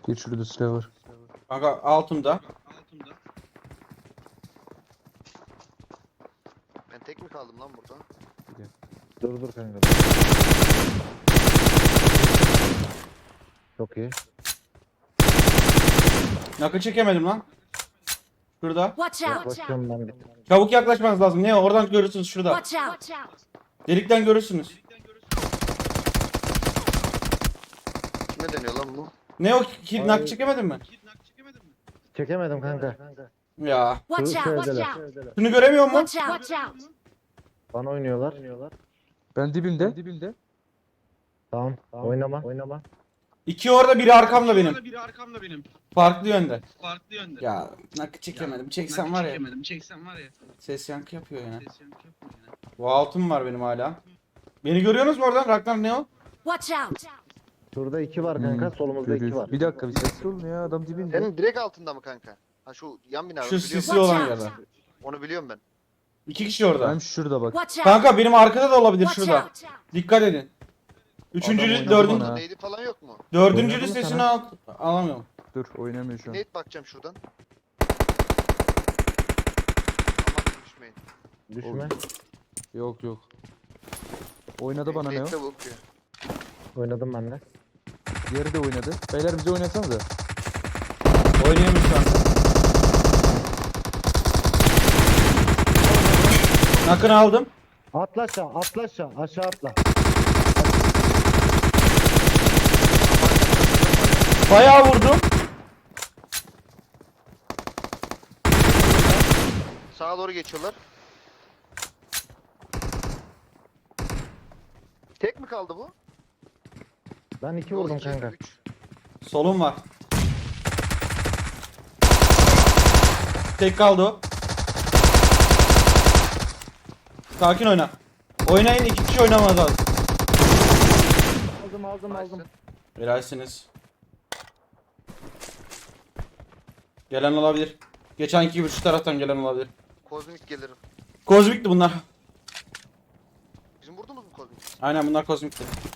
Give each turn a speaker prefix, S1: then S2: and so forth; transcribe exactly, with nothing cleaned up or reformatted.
S1: Bir şurada silah var.
S2: Kanka altımda.
S3: Ben tek mi kaldım lan burada?
S4: Dur dur kanka. Çok iyi.
S2: Nakı çekemedim lan. Şurada.
S5: Watch out!
S4: Yaklaşıyorum ben bir.
S2: Çabuk yaklaşmanız lazım. Ne o? Oradan görürsünüz şurada.
S5: Watch out!
S2: Delikten görürsünüz.
S3: Kime deniyor lan bu?
S2: Ne o? Ki, nakı çekemedin mi?
S4: Çekemedim kanka.
S2: Ya.
S5: Watch out! Watch
S4: Şöyleler.
S5: out!
S2: Şunu göremiyor mu?
S5: Watch out! Watch out!
S4: Bana oynuyorlar.
S1: Ben dibimde. dibimde.
S4: Tamam. Oynama. Oynama.
S2: İki orada, biri arkamda benim.
S6: Biri arkamda benim.
S2: Farklı yönde.
S6: Farklı yönde.
S2: Ya nakı çekemedim. Çeksem var ya.
S6: Çekemedim. Çeksem var ya.
S2: Ses yankı yapıyor yine.
S6: Ses yankı yapıyor yine.
S2: Bu altım var benim hala. Beni görüyorsunuz mu oradan? Ragnar ne o?
S5: Watch out!
S4: Şurada iki var kanka.
S1: Hmm,
S4: Solumuzda iki
S1: görüyoruz.
S4: var.
S1: Bir dakika bir sessiz olun ya, adam dibinde.
S3: Senin direkt altında mı kanka? Ha şu yan bina.
S2: Şu
S3: onu biliyorum
S2: sisi
S3: ben.
S2: olan
S5: Watch
S2: yerde.
S5: out!
S3: Onu biliyorum ben.
S2: İki kişi orada.
S1: Ben şurada bak.
S5: Watch out!
S2: Kanka benim arkada da olabilir
S5: Watch
S2: şurada.
S5: out!
S2: Dikkat edin.
S1: Adam
S2: Üçüncü,
S1: oynadı
S2: dördüncü,
S1: bana.
S3: Neydi falan yok mu?
S2: dördüncü
S1: Oynadı mı
S2: listesini
S1: sana?
S2: al alamıyorum.
S1: Dur, oynamıyor şu an.
S3: Nate bakacağım şuradan. Aman düşmeyin.
S4: Düşme.
S1: Yok yok. Oynadı bana ne o?
S3: Nate de bakıyor.
S4: Oynadım ben de.
S1: Diğeri de oynadı. Beyler bize oynasanıza.
S2: Oynayamıyorum şu an. Nakını aldım.
S4: Atla aşağı. Atla aşağı. Aşağı atla.
S2: Bayağı vurdum.
S3: Sağa doğru geçiyorlar. Tek mi kaldı bu?
S4: Ben iki
S3: Yok,
S4: vurdum
S3: iki,
S4: kanka.
S3: üç.
S2: Solum var. Tek kaldı o. Sakin oyna. Oynayın, iki kişi oynamaz lazım.
S4: Aldım aldım aldım.
S3: Nice.
S2: Helalsiniz. Gelen olabilir. Geçenki gibi şu taraftan gelen olabilir.
S3: Kozmik gelirim.
S2: Kozmikti bunlar.
S3: Bizim vurdunuz mu kozmik?
S2: Aynen bunlar kozmikti.